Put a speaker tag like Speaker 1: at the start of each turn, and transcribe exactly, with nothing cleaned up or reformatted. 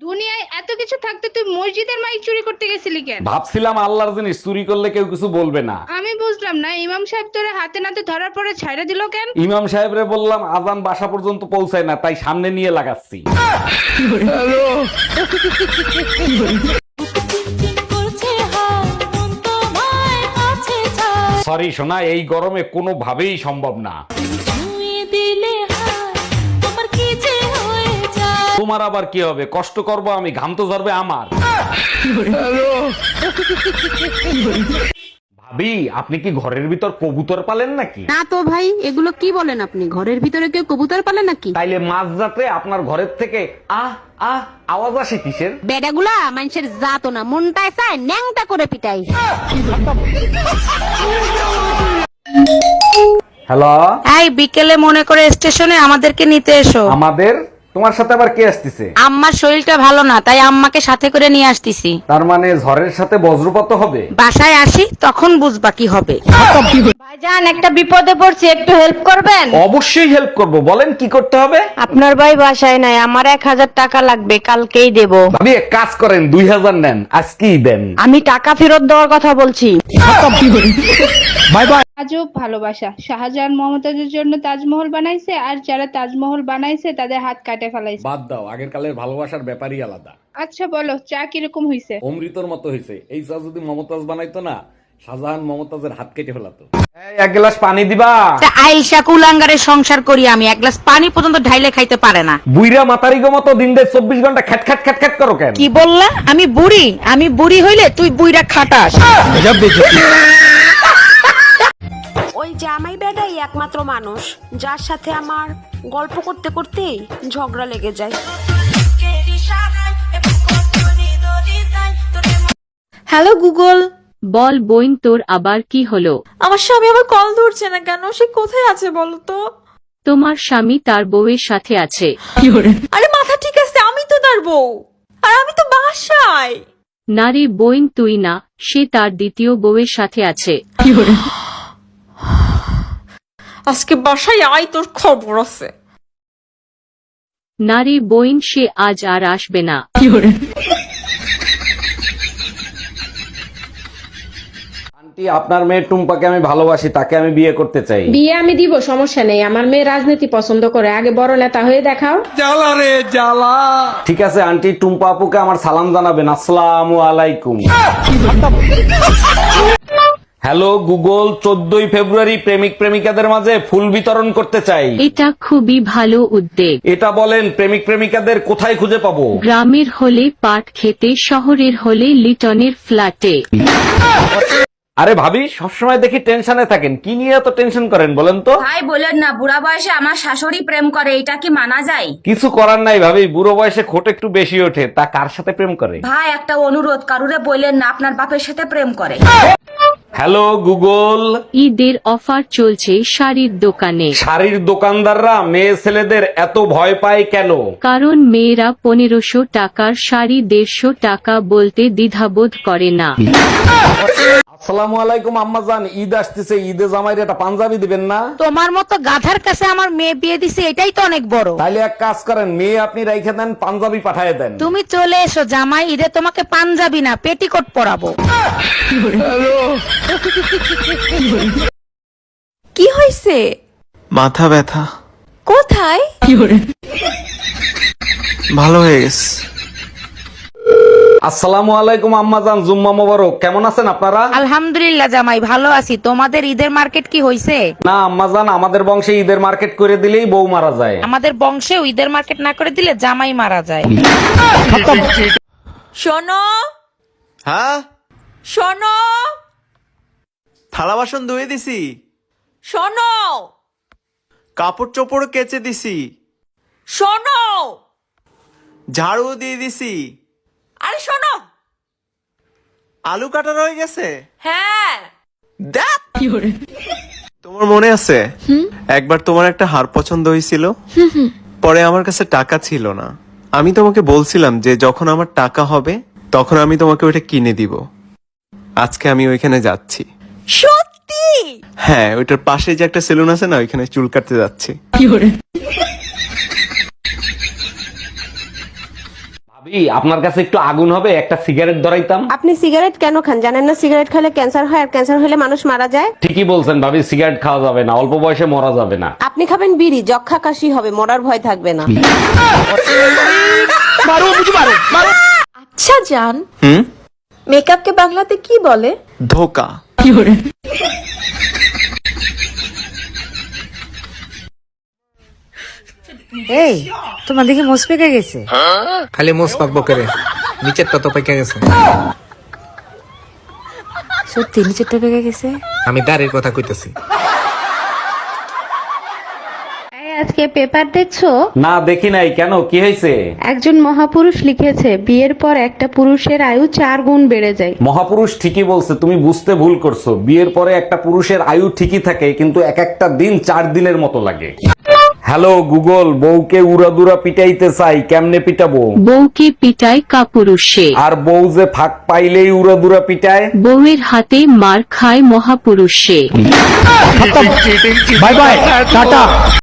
Speaker 1: দুনিয়ায় এত কিছু থাকতে তুই মসজিদের মাইক চুরি করতে গেছিলি কেন?
Speaker 2: ভাবছিলাম আল্লাহর জিনিস চুরি করলে কেউ কিছু বলবে না।
Speaker 1: আমি বুঝলাম না, ইমাম সাহেব তোরে হাতে নাতে ধরার পরে ছাইড়া দিল কেন?
Speaker 2: ইমাম সাহেবরে বললাম আজান বাসা পর্যন্ত পৌঁছায় না, তাই সামনে নিয়ে লাগাচ্ছি। সরি সোনা, এই গরমে কোনোভাবেই সম্ভব না। তোমার আবার কি হবে? কষ্ট করব আমি, ঘাম তো ঝরবে আমার। ভাবি, আপনি কি ঘরের ভিতর কবুতর পালেন নাকি?
Speaker 3: না তো ভাই, এগুলো কি বলেন আপনি? ঘরের ভিতরে কেউ কবুতর পালে নাকি?
Speaker 2: তাইলে মাঝরাতে আপনার ঘরের থেকে আহ আহ আওয়াজ আসে কিসের?
Speaker 3: বেডাগুলা মানুষের জাতো না, মনটায় চায় ন্যাংটা করে পিটাই।
Speaker 2: হ্যালো,
Speaker 4: এই বিকেলে মনে করে স্টেশনে আমাদেরকে নিতে এসো।
Speaker 2: আমাদের? তোমার সাথে আবার কে আসতেছে?
Speaker 4: আম্মার শরীরটা ভালো না, তাই আম্মাকে সাথে করে নিয়ে আসতেছি।
Speaker 2: তার মানে ঝড়ের সাথে বজ্রপাত হবে?
Speaker 4: বাসায় আসি তখন বুঝবা কি হবে।
Speaker 5: ভাইজান, একটা বিপদে পড়ছি, একটু হেল্প করবেন?
Speaker 2: অবশ্যই হেল্প করব, বলেন কি করতে হবে?
Speaker 5: আপনার ভাই বাসায় নাই, আমার এক হাজার টাকা লাগবে, কালকেই দেব।
Speaker 2: ভাবি এক কাজ করেন, দুই হাজার নেন, আজকেই দেন।
Speaker 5: আমি টাকা ফেরত দেওয়ার কথা বলছি।
Speaker 2: Bye bye.
Speaker 1: আজব ভালোবাসা। শাহজাহান মমতাজের জন্য তাজমহল বানাইছে, আর যারা তাজমহল বানাইছে তাদের হাত কাটে ফেলাইছে।
Speaker 2: বাদ দাও, আগের কালের ভালোবাসার ব্যাপারই আলাদা।
Speaker 1: আচ্ছা বলো, চা কিরকম হইছে?
Speaker 2: অমৃতর মতো হয়েছে। এই চা যদি মমতাজ বানাইতো না, শাহজাহান মমতাজের হাত কেটে ফেলাতো। এই, এক গ্লাস পানি দিবা?
Speaker 4: তা আইসা কুলাঙ্গারের সংসার করি আমি, এক গ্লাস পানি পর্যন্ত ঢাইলে খাইতে পারে না।
Speaker 2: বুইরা মাতারি গো মতো দিন দেড় চব্বিশ ঘন্টা খ্যাট খ্যাট খ্যাট খ্যাট করো কেন?
Speaker 4: কি বললা? আমি বুড়ি? আমি বুড়ি হইলে তুই বুইরা খাটাস।
Speaker 6: ওই জামাই বেটাই একমাত্র মানুষ যার সাথে আমার গল্প করতে করতেই ঝগড়া লেগে যায়।
Speaker 7: Hello Google.
Speaker 8: বল বইন, তোর আবার কি হলো?
Speaker 7: আমার স্বামী আবার কল ধরছে না কেন? সে কোথায় আছে বলো তো?
Speaker 8: তোমার স্বামী তার বউয়ের সাথে আছে।
Speaker 7: আরে মাথা ঠিক আছে, আমি তো তার বউ, আর আমি তো বাসায়।
Speaker 8: নারী বইন তুই না, সে তার দ্বিতীয় বউয়ের সাথে আছে।
Speaker 7: আজকে বাসায় আয়, তোর খবর আছে।
Speaker 8: নারী বইন, সে আজ আর আসবে না।
Speaker 2: আন্টি, আপনার মেয়ে টুম্পাকে আমি ভালোবাসি, তাকে আমি বিয়ে করতে চাই।
Speaker 5: বিয়ে আমি দিব, সমস্যা নেই। আমার মেয়ে রাজনীতি পছন্দ করে, আগে বড় নেতা হয়ে দেখাও।
Speaker 2: ঠিক আছে আন্টি, টুম্পা আপুকে আমার সালাম জানাবেন। আসসালামু আলাইকুম। হ্যালো গুগল, চোদ্দই ফেব্রুয়ারি প্রেমিক প্রেমিকাদের মাঝে ফুল বিতরণ করতে চাই।
Speaker 8: এটা খুবই ভালো উদ্যোগ।
Speaker 2: এটা বলেন, প্রেমিক প্রেমিকাদের কোথায় খুঁজে পাবো?
Speaker 8: গ্রামের হলে পাট খেতে, শহরের হলে লিটনের ফ্ল্যাটে।
Speaker 2: আরে ভাবি, সবসময় দেখি টেনশনে থাকেন, কি নিয়ে এত টেনশন করেন বলেন তো?
Speaker 9: ভাই বলেন না, বুড়া বয়সে আমার শাশুড়ি প্রেম করে, এটা কি মানা যায়?
Speaker 2: কিছু করার নাই ভাবি, বুড়ো বয়সে খোট একটু বেশি ওঠে। তা কার সাথে প্রেম করে?
Speaker 9: ভাই একটা অনুরোধ, কারুরে বললেন না আপনার বাপের সাথে প্রেম করে।
Speaker 2: হ্যালো গুগল,
Speaker 8: ঈদের অফার চলছে শাড়ির দোকানে।
Speaker 2: শাড়ির দোকানদাররা মেয়ে ছেলেদের এত ভয় পায় কেন?
Speaker 8: কারণ মেয়েরা পনেরোশো টাকার শাড়ি দেড়শো টাকা বলতে দ্বিধাবোধ করে না।
Speaker 2: আসসালামু আলাইকুম আম্মাজান, ঈদ আসতেছে, ঈদে জামাইরে একটা পাঞ্জাবি দিবেন না?
Speaker 4: তোমার মতো গাধার কাছে আমার মেয়ে বিয়ে দিছে, এটাই তো অনেক বড়।
Speaker 2: তাইলে এক কাজ করেন, মেয়ে আপনি রাইখে দেন, পাঞ্জাবি পাঠায় দেন।
Speaker 4: তুমি চলে এসো জামাই, ঈদে তোমাকে পাঞ্জাবি না পেটিকোট পরাবো।
Speaker 7: কি হয়েছে?
Speaker 10: মাথা ব্যথা।
Speaker 7: কোথায়?
Speaker 10: ভালো হয়ে গেছে।
Speaker 2: আসসালামু আলাইকুম আম্মাজান, জুম্মা মোবারক। কেমন আছেন আপনারা?
Speaker 4: আলহামদুলিল্লাহ জামাই, ভালো আছি। তোমাদের ঈদের মার্কেট কি হইছে?
Speaker 2: না আম্মাজান, আমাদের বংশে ঈদের মার্কেট করে দিলেই বউ মারা যায়।
Speaker 4: আমাদের বংশেও ঈদের মার্কেট না করে দিলে জামাই মারা যায়।
Speaker 7: শোনো
Speaker 10: হ্যাঁ,
Speaker 7: শোনো
Speaker 10: থালা বাসন ধুয়ে দিছি,
Speaker 7: শোনো
Speaker 10: কাপড় চোপড় কেচে দিছি,
Speaker 7: শোনো
Speaker 10: ঝাড়ু দিয়ে দিছি।
Speaker 7: আরে শোনো,
Speaker 10: আলু কাটা রয়ে গেছে।
Speaker 7: হ্যাঁ।
Speaker 10: দেখ, তোমার মনে আছে একবার তোমার একটা হার পছন্দ হয়েছিল, পরে আমার কাছে টাকা ছিল না। আমি তোমাকে বলছিলাম যে যখন আমার টাকা হবে তখন আমি তোমাকে ওইটা কিনে দিব। আজকে আমি ওইখানে যাচ্ছি।
Speaker 7: সত্যি?
Speaker 10: হ্যাঁ, ওইটার পাশে যে একটা সেলুন আছে না, ওইখানে চুল কাটতে যাচ্ছি।
Speaker 2: ভাবি, আপনার কাছে একটু আগুন হবে, একটা সিগারেট ধরাইতাম।
Speaker 6: আপনি সিগারেট কেন খান জানেন না? সিগারেট খেলে ক্যান্সার হয়, আর ক্যান্সার হলে মানুষ মারা যায়।
Speaker 2: ঠিকই বলছেন ভাবি, সিগারেট খাওয়া যাবে না, অল্প বয়সে মরা যাবে না।
Speaker 6: আপনি খাবেন বিড়ি, যক্ষা কাশি হবে, মরার ভয় থাকবে না।
Speaker 7: আচ্ছা জান,
Speaker 10: হুম
Speaker 7: মেকআপকে বাংলাতে কি বলে?
Speaker 10: ধোকা।
Speaker 4: এই তোমার দেখি মোস পেকে গেছে।
Speaker 11: খালি মোস পাকবো করে, নিচেরটা তো পেকে গেছে।
Speaker 4: সত্যি নিচেরটা পেকে গেছে?
Speaker 11: আমি দাঁড়ের কথা কইতেছি।
Speaker 1: আজকে পেপার দেখছো?
Speaker 2: না দেখি নাই, কেন, কি হয়েছে?
Speaker 1: একজন মহাপুরুষ লিখেছে বিয়ের পর একটা পুরুষের আয়ু চার গুণ বেড়ে যায়।
Speaker 2: মহাপুরুষ ঠিকই বলছে, তুমি বুঝতে ভুল করছো। বিয়ের পরে একটা পুরুষের আয়ু ঠিকই থাকে, কিন্তু এক একটা দিন চার দিনের মতো লাগে। হ্যালো গুগল, বউকে উড়াদুরা পিটাইতে চাই, কেমনে পিটাবো?
Speaker 8: বউকে পিটায় কাপুরুষে,
Speaker 2: আর বউ যে ফাঁক পাইলেই উড়াদুরা পিটায়।
Speaker 8: বউয়ের হাতে মার খায় মহাপুরুষে।
Speaker 2: Bye bye, tata.